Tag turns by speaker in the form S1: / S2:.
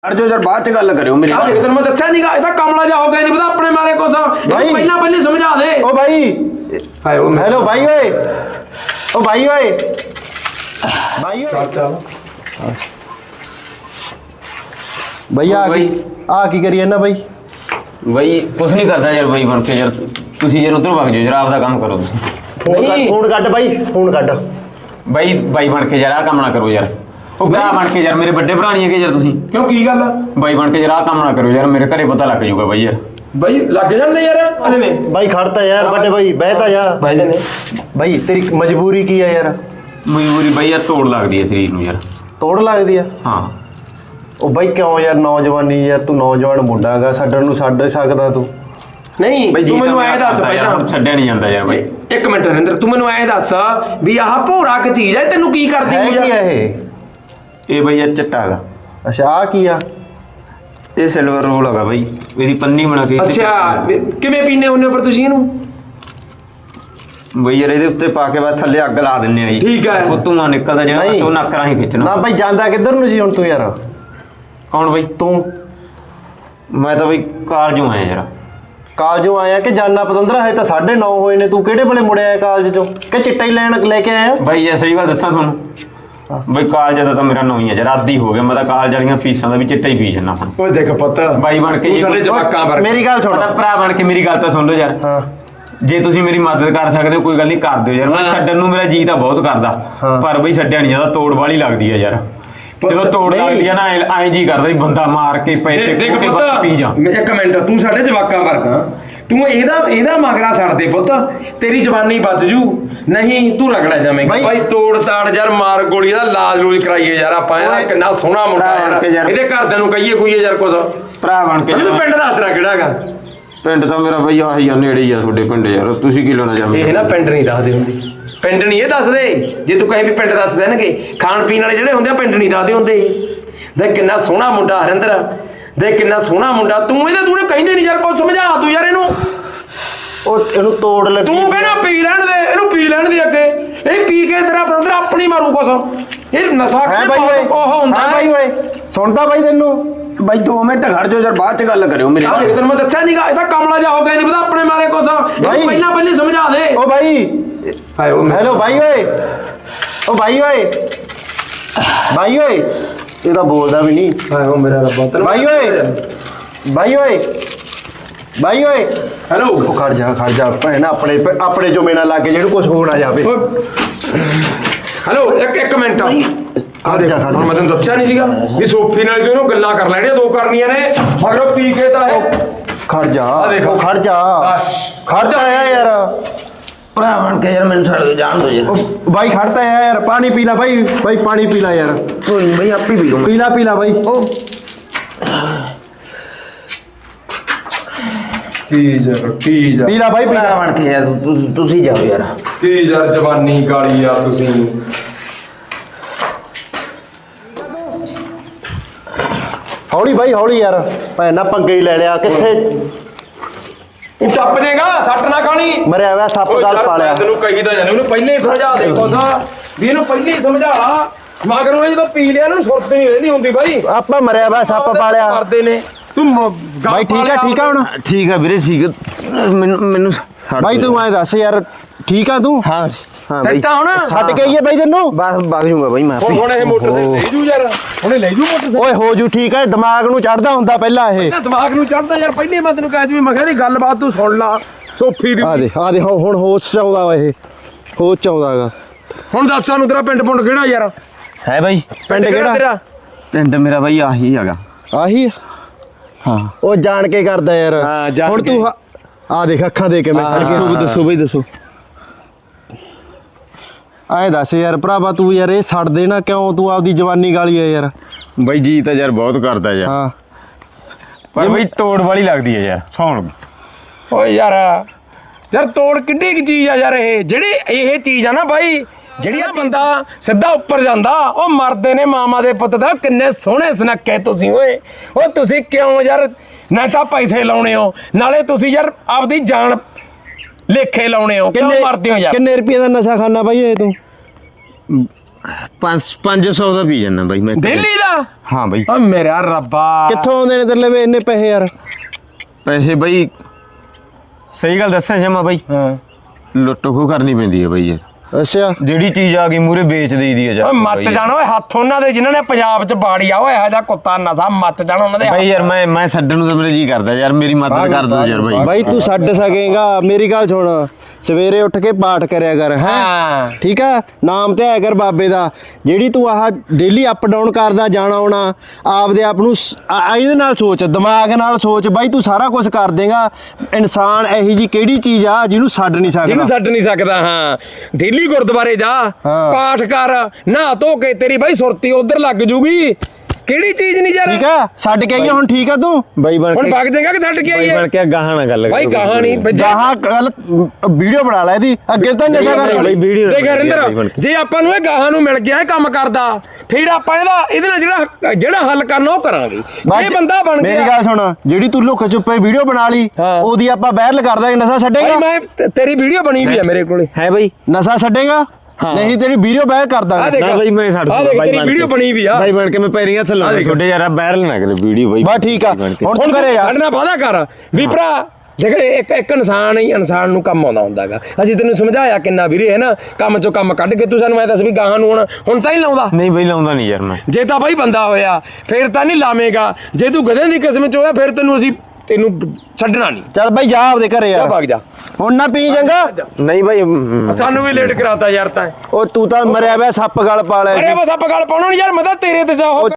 S1: हट जाओ यार, बाद च गल करियो मेरी।
S2: तेरे मैं दस्या नहीं गा, कमला जा हो गया नहीं पता अपने मारे को पहला पहले समझा दे।
S3: ओ भाई हेलो भाई ओए, ओ भाई ओए भाई ओए भैया आ की करिए ना भाई।
S1: भाई कुछ नहीं करता यार भाई बन के यार, तुसी यार उधर भाग जाओ यार, आपदा काम करो।
S3: फोन कट भाई, फोन कट
S1: भाई भाई बन के यार आ काम ना करो यार। ਉਹ ਭਰਾ ਬਣ ਕੇ ਯਾਰ, ਮੇਰੇ ਵੱਡੇ ਭਰਾ ਨਹੀਂ ਹੈਗੇ ਯਾਰ ਤੁਸੀਂ?
S2: ਕਿਉਂ ਕੀ ਗੱਲ?
S1: ਬਾਈ ਬਣ ਕੇ ਯਾਰ ਆਹ ਕੰਮ ਨਾ ਕਰੋ ਯਾਰ, ਮੇਰੇ ਘਰੇ ਪਤਾ ਲੱਗ ਜਾਊਗਾ ਬਾਈ ਯਾਰ।
S2: ਬਾਈ ਲੱਗ ਜਾਂਦੇ ਯਾਰ ਅਲੇ ਨੇ।
S3: ਬਾਈ ਖੜਤਾ ਯਾਰ ਵੱਡੇ ਬਾਈ, ਬਹਿਤਾ ਯਾਰ
S2: ਬਹਿ ਜਾਨੇ।
S3: ਬਾਈ ਤੇਰੀ ਮਜਬੂਰੀ ਕੀ ਆ ਯਾਰ?
S1: ਮਜਬੂਰੀ ਬਾਈ ਯਾਰ ਤੋੜ ਲੱਗਦੀ ਹੈ ਸਰੀਰ ਨੂੰ ਯਾਰ।
S3: ਤੋੜ ਲੱਗਦੀ ਆ?
S1: ਹਾਂ।
S3: ਉਹ ਬਾਈ ਕਿਉਂ ਯਾਰ, ਨੌਜਵਾਨੀ ਯਾਰ, ਤੂੰ ਨੌਜਵਾਨ ਮੁੰਡਾ ਹੈਗਾ, ਛੱਡਣ ਨੂੰ ਛੱਡ ਸਕਦਾ ਤੂੰ?
S2: ਨਹੀਂ ਤੂੰ ਮੈਨੂੰ ਐਂ ਦੱਸ
S1: ਪਹਿਲਾਂ, ਛੱਡਿਆ ਨਹੀਂ ਜਾਂਦਾ ਯਾਰ ਬਾਈ।
S2: ਇੱਕ ਮਿੰਟ ਨਰਿੰਦਰ, ਤੂੰ ਮੈਨੂੰ ਐਂ ਦੱਸ ਵੀ ਆਹ ਭੋਰਾ ਕੀ ਚੀਜ਼ ਹੈ, ਤੈਨੂੰ ਕੀ ਕਰਦੀ
S3: ਹੈ ਕੀ ਆ ਇਹ?
S1: ਇਹ ਬਈ ਯਾਰ ਚਿੱਟਾ ਹੈਗਾ।
S3: ਅੱਛਾ ਆ ਕੀ ਆ?
S1: ਇਹ ਸਿਲਵਰ ਰੋਲ ਹੈਗਾ ਬਈ, ਇਹਦੀ ਪੰਨੀ ਬਣਾ ਕੇ।
S2: ਅੱਛਾ ਕਿਵੇਂ ਪੀਨੇ ਹੁੰਨੇ ਪਰ ਤੁਸੀਂ ਇਹਨੂੰ?
S1: ਬਈ ਯਾਰ ਇਹਦੇ ਉੱਤੇ ਪਾ ਕੇ ਬਾਅਦ ਥੱਲੇ ਅੱਗ ਲਾ ਦਿੰਨੇ ਆ ਜੀ।
S2: ਠੀਕ ਹੈ।
S1: ਉਹ ਧੂੰਆਂ ਨਿਕਲਦਾ ਜਿਹੜਾ, ਉਹ ਨੱਕ ਰਾਹੀਂ ਖਿੱਚਣਾ।
S3: ਨਾ ਬਾਈ ਜਾਂਦਾ ਕਿੱਧਰ ਨੂੰ ਜੀ ਹੁਣ ਤੂੰ ਯਾਰ?
S1: ਕੌਣ ਬਈ?
S3: ਤੂੰ?
S1: ਮੈਂ ਤਾਂ ਬਈ ਕਾਲਜੋਂ ਆਇਆ ਯਾਰ।
S3: ਕਾਲਜੋਂ ਆਇਆ ਕਿ ਜਾਨਾ ਪਤੰਦਰਾ? ਹੈ ਤਾਂ 9:30 ਹੋਏ ਨੇ, ਤੂੰ ਕਿਹੜੇ ਵੇਲੇ ਮੁੜਿਆ ਕਾਲਜ ਚੋਂ ਕਿ ਚਿੱਟਾ ਹੀ ਲੈ ਕੇ ਆਇਆ?
S1: ਬਾਈ ਇਹ ਸਹੀ ਗੱਲ ਦੱਸਾਂ ਤੁਹਾਨੂੰ, ਬਈ ਕਾਲਜ ਦਾ ਤਾਂ ਮੇਰਾ ਨਾਂ ਹੀ ਹੈ ਯਾਰ, ਆਦੀ ਹੋ ਗਿਆ। ਮੈਂ ਤਾਂ ਕਾਲਜ ਵਾਲੀਆਂ ਫੀਸਾਂ ਦਾ ਵੀ ਚਿੱਟਾ ਹੀ ਪੀ ਜਾਂਦਾ ਹੁਣ।
S2: ਓਏ ਦੇਖ ਪੁੱਤ,
S1: ਬਾਈ ਬਣ ਕੇ
S2: ਸਾਡੇ ਜਵਾਕਾਂ ਵਰਗਾ।
S3: ਮੇਰੀ ਗੱਲ ਸੁਣ,
S1: ਭਰਾ ਬਣ ਕੇ ਮੇਰੀ ਗੱਲ ਤਾਂ ਸੁਣ ਲਓ ਯਾਰ।
S3: ਹਾਂ
S1: ਜੇ ਤੁਸੀਂ ਮੇਰੀ ਮਦਦ ਕਰ ਸਕਦੇ ਹੋ ਕੋਈ ਗੱਲ ਨਹੀਂ, ਕਰ ਦਿਓ ਯਾਰ। ਮੈਂ ਛੱਡਣ ਨੂੰ ਮੇਰਾ ਜੀ ਤਾਂ ਬਹੁਤ ਕਰਦਾ, ਪਰ ਬਈ ਛੱਡਿਆ ਨਹੀਂ ਜਾਂਦਾ, ਤੋੜ ਵਾਲੀ ਲੱਗਦੀ ਹੈ ਯਾਰ। ਜਦੋਂ ਤੋੜ ਲੱਗਦੀ ਹੈ ਨਾ ਐਂ ਜੀ ਕਰਦਾ ਵੀ ਬੰਦਾ ਮਾਰ ਕੇ ਪੈਸੇ
S2: ਦੇਖ
S1: ਕੇ ਬਸ ਪੀ ਜਾ।
S2: ਇੱਕ ਮਿੰਟ, ਤੂੰ ਸਾਡੇ ਜਵਾਕਾਂ ਵਰਗਾ, ਤੂੰ ਇਹਦਾ ਮਗਰਾ ਛੱਡ ਦੇ ਪੁੱਤ, ਤੇਰੀ ਜਵਾਨੀ ਬਚ ਜੂ, ਨਹੀਂ ਤੂੰ ਰਗੜਾ ਜਾਵੇਂਗਾ। ਭਾਈ ਤੋੜ ਤਾੜ ਯਾਰ, ਮਾਰ ਗੋਲੀ ਦਾ ਲਾਜ ਲੂਜ ਕਰਾਈਏ ਯਾਰ ਆਪਾਂ। ਇਹਦਾ ਕਿੰਨਾ ਸੋਹਣਾ ਮੁੰਡਾ ਯਾਰ, ਇਹਦੇ ਘਰਦਿਆਂ ਨੂੰ ਕਹੀਏ ਕੋਈ ਯਾਰ ਕੁਝ।
S1: ਭਰਾ ਬਣ ਕੇ
S2: ਪਿੰਡ ਦਾ ਤੇਰਾ ਕਿਹੜਾ ਹੈਗਾ?
S1: ਪਿੰਡ ਤਾਂ ਮੇਰਾ ਬਈ ਆਹੀ ਆ, ਨੇੜੇ ਹੀ ਆ ਤੁਹਾਡੇ ਪਿੰਡ ਯਾਰ। ਤੁਸੀਂ ਕੀ ਲੈਣਾ ਚਾਹੁੰਦੇ?
S2: ਇਹ ਨਾ ਪਿੰਡ ਨਹੀਂ ਦੱਸਦੇ ਹੁੰਦੇ, ਪਿੰਡ ਨਹੀਂ ਇਹ ਦੱਸਦੇ। ਜੇ ਤੂੰ ਕਹੇ ਵੀ ਪਿੰਡ ਦੱਸ ਦੇਣਗੇ, ਖਾਣ ਪੀਣ ਵਾਲੇ ਜਿਹੜੇ ਹੁੰਦੇ ਆ ਪਿੰਡ ਨਹੀਂ ਦੱਸਦੇ ਹੁੰਦੇ। ਦੇਖ ਕਿੰਨਾ ਸੋਹਣਾ ਮੁੰਡਾ ਹਰਿੰਦਰ, ਦੇਖ ਕਿੰਨਾ ਸੋਹਣਾ ਮੁੰਡਾ। ਤੂੰ ਕਹਿੰਦੇ ਨਹੀਂ ਯਾਰ, ਕੁਝ ਸਮਝਾ ਤੂੰ ਯਾਰ ਇਹਨੂੰ।
S3: ਉਹ ਇਹਨੂੰ ਤੋੜ ਲੱਗੀ।
S2: ਤੂੰ ਕਹਿੰਦਾ ਪੀ ਲੈਣ ਦੇ ਇਹਨੂੰ, ਪੀ ਲੈਣ ਦੇ ਅੱਗੇ। ਇਹ ਪੀ ਕੇ ਤੇਰਾ ਬ੍ਰਦਰ ਆਪਣੀ ਮਾਰੂ ਕੁਛ। ਇਹ ਨਸ਼ਾ
S3: ਹੈ ਬਾਈ ਓਏ,
S2: ਉਹ ਹੁੰਦਾ
S3: ਬਾਈ ਓਏ ਸੁਣਦਾ ਬਾਈ ਤੈਨੂੰ?
S1: ਬਾਈ 2 ਮਿੰਟ ਖੜ ਜਾਓ ਯਾਰ, ਬਾਅਦ ਚ ਗੱਲ ਕਰਿਓ ਮੇਰੀ।
S2: ਤੈਨੂੰ ਮੈਂ ਦੱਸਿਆ ਨਹੀਂ ਗਾ, ਇਹਦਾ ਕਮਲਾ ਜਾ ਹੋ ਗਿਆ ਨਹੀਂ ਪਤਾ ਆਪਣੇ ਮਾਰੇ ਕੁਛ। ਪਹਿਲਾਂ ਪਹਿਲੇ ਸਮਝਾ ਦੇ।
S3: ਓ ਬਾਈ ਹੈਲੋ ਭਾਈ ਓਏ, ਓ ਭਾਈ ਓਏ, ਭਾਈ ਓਏ ਇਹ ਤਾਂ ਬੋਲਦਾ ਵੀ ਨਹੀਂ।
S2: ਹਾਏ ਓ ਮੇਰਾ ਰੱਬਾ,
S3: ਭਾਈ ਓਏ, ਭਾਈ ਓਏ, ਭਾਈ ਓਏ
S2: ਹੈਲੋ।
S3: ਉਹ ਖੜ ਜਾ ਭੈਣ, ਆਪਣੇ ਜੋ ਮੇਨਾ ਲਾ ਕੇ ਜਿਹਨੂੰ ਕੁਝ ਹੋ ਨਾ ਜਾਵੇ।
S2: ਹੈਲੋ ਇੱਕ ਮਿੰਟ,
S3: ਖੜ ਜਾ
S2: ਹੁਣ ਮੈਂ ਤੈਨੂੰ ਦੱਸਿਆ ਨਹੀਂ ਸੀਗਾ ਵੀ ਸੋਫੀ ਨਾਲ ਇਹਨੂੰ ਗੱਲਾਂ ਕਰ ਲੈਣੀਆਂ, 2 ਕਰਨੀਆਂ ਨੇ ਮਗਰੋਂ ਪੀ ਕੇ ਤਾਂ ਇਹ।
S3: ਖੜ ਜਾ,
S2: ਦੇਖੋ
S3: ਖੜ ਜਾ ਯਾਰ।
S1: ਭਰਾ ਬਣ ਕੇ ਯਾਰ ਮੈਨੂੰ ਛੱਡ ਦਿਓ, ਜਾਣ ਦਿਓ ਯਾਰ।
S3: ਬਾਈ ਖੜਤਾ ਹੈ ਯਾਰ, ਪਾਣੀ ਪੀ ਲੈ ਬਾਈ, ਪਾਣੀ ਪੀ ਲੈ ਯਾਰ।
S1: ਕੋਈ ਨਹੀਂ ਬਾਈ, ਆਪੇ ਪੀ ਲੂੰਗਾ।
S3: ਪੀ ਲੈ ਬਾਈ। ਉਹ
S2: ਕੀ
S3: ਪੀ ਲੈ ਬਾਈ,
S1: ਭਰਾ ਬਣ ਕੇ ਯਾਰ ਤੁਸੀਂ ਜਾਓ ਯਾਰ।
S2: ਕੀ ਯਾਰ ਜਵਾਨੀ ਗਾਲੀ ਆ ਤੁਸੀਂ।
S3: ਹੌਲੀ ਬਾਈ ਹੌਲੀ ਯਾਰ, ਭੈਣ ਨਾ ਪੰਗੇ ਹੀ ਲੈ ਲਿਆ। ਕਿੱਥੇ
S2: ਤੂੰ ਟੱਪ ਜਾਏਗਾ, ਸੱਟ ਨਾ ਖਾਣੀ।
S3: ਮਰਿਆ ਹੋਇਆ ਸੱਪ ਗਲ ਪਾ ਲਿਆ।
S2: ਤੈਨੂੰ ਕਹੀਦਾ ਜਾਨੇ, ਉਹਨੂੰ ਪਹਿਲੇ ਹੀ ਸਮਝਾ ਦੇ ਕੁਛ ਵੀ ਇਹਨੂੰ ਪਹਿਲੇ ਹੀ ਸਮਝਾ ਲਾ। ਮਗਰੋਂ ਜਦੋਂ ਪੀ ਲਿਆ ਇਹਨੂੰ ਸੁਰਤ ਨਹੀਂ ਰਹਿੰਦੀ ਹੁੰਦੀ ਬਾਈ।
S3: ਆਪਾਂ ਮਰਿਆ ਹੋਇਆ ਸੱਪ ਪਾਲਿਆ
S2: ਕਰਦੇ ਨੇ। ਤੂੰ
S3: ਬਾਈ ਠੀਕ ਆ ਹੁਣ?
S1: ਠੀਕ ਆ ਵੀਰੇ, ਠੀਕ ਆ। ਮੈਨੂੰ
S3: ਬਾਈ ਤੂੰ ਐਂ ਦੱਸ ਯਾਰ, ਠੀਕ ਆ ਤੂੰ?
S1: ਹਾਂ ਬਾਈ,
S2: ਸੱਟਾ ਹੁਣ
S3: ਛੱਡ ਕੇ ਆਈਏ ਬਾਈ ਤੈਨੂੰ?
S1: ਬਸ ਵਗ ਜੂਗਾ ਬਾਈ ਮੈਂ।
S2: ਹੁਣ ਇਹ ਮੋਟਰ ਤੇ ਲੈ ਜੂ ਯਾਰ, ਹੁਣੇ ਲੈ ਜੂ ਮੋਟਰ ਤੇ।
S3: ਓਏ ਹੋ ਜੂ ਠੀਕ ਹੈ, ਦਿਮਾਗ ਨੂੰ ਚੜਦਾ ਹੁੰਦਾ ਪਹਿਲਾਂ ਇਹ।
S2: ਦਿਮਾਗ ਨੂੰ ਚੜਦਾ ਯਾਰ, ਪਹਿਲੇ ਮੈਂ ਤੈਨੂੰ ਕਹਿ ਦੂੰ, ਮੈਂ ਕਿਹਾ ਦੀ ਗੱਲਬਾਤ ਤੂੰ ਸੁਣ ਲਾ ਸੋਫੀ ਦੀ।
S3: ਆ ਦੇ ਹੁਣ ਹੋਸ਼ ਚ ਆਉਂਦਾ ਵਾ, ਇਹ ਹੋਸ਼ ਚ ਆਉਂਦਾਗਾ।
S2: ਹੁਣ ਦੱਸ ਸਾਨੂੰ ਤੇਰਾ ਪਿੰਡ ਕਿਹੜਾ ਯਾਰ?
S1: ਹੈ ਬਾਈ
S3: ਪਿੰਡ ਕਿਹੜਾ ਤੇਰਾ?
S1: ਪਿੰਡ ਮੇਰਾ ਬਾਈ ਆਹੀ ਹੈਗਾ।
S3: ਆਹੀ?
S1: ਹਾਂ।
S3: ਉਹ ਜਾਣ ਕੇ ਕਰਦਾ ਯਾਰ। ਹੁਣ ਤੂੰ ਆ ਦੇਖ ਅੱਖਾਂ ਦੇ ਕੇ ਮੈਂ
S1: ਦੱਸੋ ਬਾਈ ਦੱਸੋ।
S3: ਐਂ ਦੱਸ ਯਾਰ ਭਰਾਵਾ, ਤੂੰ ਯਾਰ ਇਹ ਛੱਡ ਦੇ ਨਾ, ਕਿਉਂ ਤੂੰ ਆਪਦੀ ਜਵਾਨੀ ਗਾਲੀ ਆ ਯਾਰ?
S1: ਬਾਈ ਜੀ ਤਾਂ ਯਾਰ ਬਹੁਤ ਕਰਦਾ ਯਾਰ।
S3: ਹਾਂ
S1: ਪਰ ਬਾਈ ਤੋੜ ਵਾਲੀ ਲੱਗਦੀ ਹੈ ਯਾਰ, ਸੌਣ।
S2: ਓਏ ਯਾਰ ਤੋੜ ਕਿੱਡੀ ਕੀ ਚੀਜ਼ ਆ ਯਾਰ। ਜਿਹੜੀ ਇਹ ਚੀਜ਼ ਆ ਨਾ ਬਾਈ, ਜਿਹੜੀ ਆ ਬੰਦਾ ਸਿੱਧਾ ਉੱਪਰ ਜਾਂਦਾ, ਉਹ ਮਰਦੇ ਨੇ ਮਾਮਾ ਦੇ ਪੁੱਤ ਦਾ। ਕਿੰਨੇ ਸੋਹਣੇ ਸੁਨੱਖੇ ਤੁਸੀਂ ਓਏ। ਉਹ ਤੁਸੀਂ ਕਿਉਂ ਯਾਰ ਨਾ ਤਾਂ ਪੈਸੇ ਲਾਉਣੇ ਹੋ, ਨਾਲੇ ਤੁਸੀਂ ਯਾਰ ਆਪਦੀ ਜਾਨ ਲੇਖੇ ਲਾਉਣੇ ਹੋ। ਕਿਉਂ ਮਰਦੇ ਹੋ ਯਾਰ?
S3: ਕਿੰਨੇ ਰੁਪਏ ਦਾ ਨਸ਼ਾ ਖਾਣਾ ਬਾਈ ਇਹ ਤੂੰ?
S1: 500 ਦਾ ਪੀ ਜਾਂਦਾ ਬਾਈ ਮੈਂ
S2: ਦਿੱਲੀ ਦਾ
S1: ਹਾਂ ਬਾਈ
S2: ਓ ਮੇਰਾ ਰੱਬਾ
S3: ਕਿੱਥੋਂ ਆਉਂਦੇ ਨੇ ਤੇਰੇ ਲਵੇ ਇੰਨੇ ਪੈਸੇ ਯਾਰ?
S1: ਪੈਸੇ ਬਾਈ ਸਹੀ ਗੱਲ ਦੱਸਾਂ ਜਮਾ ਬਾਈ
S2: ਹਾਂ
S1: ਲੁੱਟ ਖੋਹ ਕਰਨੀ ਪੈਂਦੀ ਹੈ ਬਾਈ ਯਾਰ
S3: ਅੱਛਾ
S1: ਜਿਹੜੀ ਚੀਜ਼ ਆ ਗਈ ਮੂਰੇ ਵੇਚ ਦੇਈਦੀ ਆ
S2: ਓਏ
S1: ਯਾਰ
S2: ਮੱਚ ਜਾਣ ਓਏ ਹੱਥ ਉਹਨਾਂ ਦੇ ਜਿਨ੍ਹਾਂ ਨੇ ਪੰਜਾਬ 'ਚ ਬਾੜੀ ਆ ਓਏ ਇਹੋ ਜਿਹਾ ਕੁੱਤਾ ਨਸਾ ਮੱਚ ਜਾਣ ਉਹਨਾਂ ਦੇ
S1: ਬਾਈ ਯਾਰ ਮੈਂ ਛੱਡਣ ਨੂੰ ਤਾਂ ਮੇਰੇ ਜੀ ਕਰਦਾ ਯਾਰ ਮੇਰੀ ਮਦਦ ਕਰ ਦਿਓ ਯਾਰ ਬਾਈ
S3: ਬਾਈ ਤੂੰ ਛੱਡ ਸਕੇਗਾ ਮੇਰੀ ਗੱਲ ਸੁਣ ਸਵੇਰੇ ਉੱਠ ਕੇ ਪਾਠ ਕਰਿਆ ਕਰ ਹੈ
S2: ਹਾਂ
S3: ਠੀਕ ਆ ਨਾਮ ਤੇ ਆਇਆ ਕਰ ਬਾਬੇ ਦਾ ਜਿਹੜੀ ਤੂੰ ਆਹ ਡੇਲੀ ਅਪ ਡਾਊਨ ਕਰਦਾ ਜਾਣਾ ਆਉਣਾ ਆਪਦੇ ਆਪ ਨੂੰ ਇਹਦੇ ਨਾਲ ਸੋਚ ਦਿਮਾਗ ਨਾਲ ਸੋਚ ਬਾਈ ਤੂੰ ਸਾਰਾ ਕੁਝ ਕਰ ਦੇਗਾ ਇਨਸਾਨ ਇਹੀ ਜੀ ਕਿਹੜੀ ਚੀਜ਼ ਆ ਜਿਹਨੂੰ ਛੱਡ ਨਹੀਂ
S2: ਜਿਹਨੂੰ
S3: ਸਕਦਾ
S2: ਛੱਡ ਨਹੀਂ ਸਕਦਾ ਹਾਂ ਡੇਲੀ ਗੁਰਦੁਆਰੇ ਜਾ
S3: ਹਾਂ।
S2: ਪਾਠ ਕਰ ਨਹਾ ਧੋ ਕੇ ਤੇਰੀ ਬਾਈ ਸੁਰਤੀ ਉਧਰ ਲੱਗ ਜੂਗੀ ਕਿਹੜੀ ਚੀਜ਼ ਨਹੀਂ ਯਾਰ
S3: ਠੀਕ ਆ ਛੱਡ ਕੇ ਆਈਏ ਹੁਣ ਠੀਕ ਆ ਤੂੰ
S1: ਬਾਈ ਬਣ
S2: ਹੁਣ
S1: ਕੇ
S2: ਵਗ ਜਾਏਗਾ ਕਿ ਛੱਡ ਕੇ
S1: ਬਾਈ
S2: ਆਈਏ
S1: ਬਣ ਕੇ ਗਾਹਾਂ ਨਾਲ ਗੱਲ
S2: ਬਾਈ
S1: ਕਰੋ
S2: ਕਹਾਂ ਨਹੀਂ
S3: ਜਹਾਂ ਗੱਲ ਵੀਡੀਓ ਬਣਾ ਲੈ ਇਹਦੀ ਅੱਗੇ ਤਾਂ ਨਸ਼ਾ ਕਰ
S1: ਬਾਈ ਵੀਡੀਓ
S2: ਦੇਖ ਹਰਿੰਦਰ ਜੇ ਆਪਾਂ ਨੂੰ ਇਹ ਗਾਹਾਂ ਨੂੰ ਮਿਲ ਗਿਆ ਇਹ ਕੰਮ ਕਰਦਾ ਫਿਰ ਆਪਾਂ ਇਹਦੇ ਨਾਲ ਜਿਹੜਾ ਹੱਲ ਕਰਨਾ ਉਹ ਕਰਾਂਗੇ ਇਹ ਬੰਦਾ ਬਣ ਗਿਆ
S3: ਮੇਰੀ ਗੱਲ ਸੁਣ ਜਿਹੜੀ ਤੂੰ ਲੁੱਕ ਚੁੱਪੇ ਵੀਡੀਓ ਬਣਾ ਲਈ
S2: ਹਾਂ।
S3: ਉਹਦੀ ਆਪਾਂ ਵਾਇਰਲ ਕਰ ਦਾਂਗੇ ਨਸ਼ਾ
S2: ਬਾਈ
S3: ਛੱਡੇਗਾ
S2: ਮੈਂ ਤੇਰੀ ਵੀਡੀਓ ਬਣੀ ਵੀ ਆ ਮੇਰੇ ਕੋਲੇ
S1: ਹੈ ਬਾਈ
S3: ਨਸ਼ਾ ਛੱਡੇਗਾ
S2: ਹਾਂ।
S3: ਨਹੀਂ ਤੇਰੀ ਵੀਡੀਓ ਵਾਇਰਲ ਕਰ
S2: ਆ
S3: ਦਾਂਗੇ
S2: ਦੇਖ
S1: ਨਾ ਬਾਈ ਮੈਂ ਛੱਡ
S2: ਆ
S1: ਦੂੰਗਾ
S2: ਦੇਖ
S1: ਬਾਈ
S2: ਤੇਰੀ
S1: ਬਣ
S2: ਵੀਡੀਓ
S1: ਕੇ।
S2: ਬਣੀ ਵੀ ਆ
S1: ਬਾਈ ਬਣ ਕੇ ਮੈਂ ਪੈਰੀਂ ਹੱਥ ਲਾਉਣਾ ਛੋਟੇ ਯਾਰ ਵਾਇਰਲ ਨਾ ਕਰੇ ਵੀਡੀਓ ਬਾਈ
S3: ਬਸ ਠੀਕ ਆ
S1: ਬਣ ਕੇ।
S3: ਹੁਣ ਤੂੰ ਘਰੇ ਆ
S2: ਸਾਡੇ ਨਾਲ ਵਾਅਦਾ ਕਰ ਵੀ ਭਰਾ ਦੇਖ ਇੱਕ ਇਨਸਾਨ ਹੀ ਇਨਸਾਨ ਨੂੰ ਕੰਮ ਆਉਂਦਾ ਹੁੰਦਾਗਾ ਅਸੀਂ ਤੈਨੂੰ ਸਮਝਾਇਆ ਕਿੰਨਾ ਵੀਰੇ ਹੈ ਨਾ ਕੰਮ ਚੋਂ ਕੰਮ ਕੱਢ ਕੇ ਤੂੰ ਸਾਨੂੰ ਐ ਦੱਸ ਵੀ ਗਾਹਾਂ ਨੂੰ ਹੁਣ ਤਾਂ ਹੀ ਲਾਉਂਦਾ
S1: ਨਹੀਂ ਬਾਈ ਲਾਉਂਦਾ ਨਹੀਂ ਯਾਰ ਮੈਂ
S2: ਜੇ ਤਾਂ ਬਾਈ ਬੰਦਾ ਹੋਇਆ ਫਿਰ ਤਾਂ ਨਹੀਂ ਲਾਵੇਂਗਾ ਜੇ ਤੂੰ ਗਧੇ ਦੀ ਕਿਸਮ ਚ ਹੋਇਆ ਫਿਰ ਤੈਨੂੰ ਛੱਡਣਾ ਨਹੀਂ
S3: ਚੱਲ ਬਾਈ ਜਾ ਆਪਦੇ ਘਰੇ
S2: ਜਾ
S3: ਯਾਰ
S2: ਭਾਗ ਜਾ
S3: ਹੁਣ ਨਾ ਪੀ ਚੰਗਾ
S1: ਨਹੀਂ ਬਾਈ
S2: ਸਾਨੂੰ ਵੀ ਲੇਟ ਕਰਾਤਾ ਯਾਰ ਤਾਂ
S3: ਉਹ ਤੂੰ ਤਾਂ ਮਰਿਆ ਪਿਆ ਸੱਪ ਗਲ ਪਾ ਲਿਆ
S2: ਅਰੇ
S3: ਸੀ
S2: ਬਸ ਆਪਾਂ ਗੱਲ ਪਾਉਣਾ ਨਹੀਂ ਯਾਰ ਮੈਂ ਤਾਂ ਤੇਰੇ ਤੇ ਜਾ ਉਹ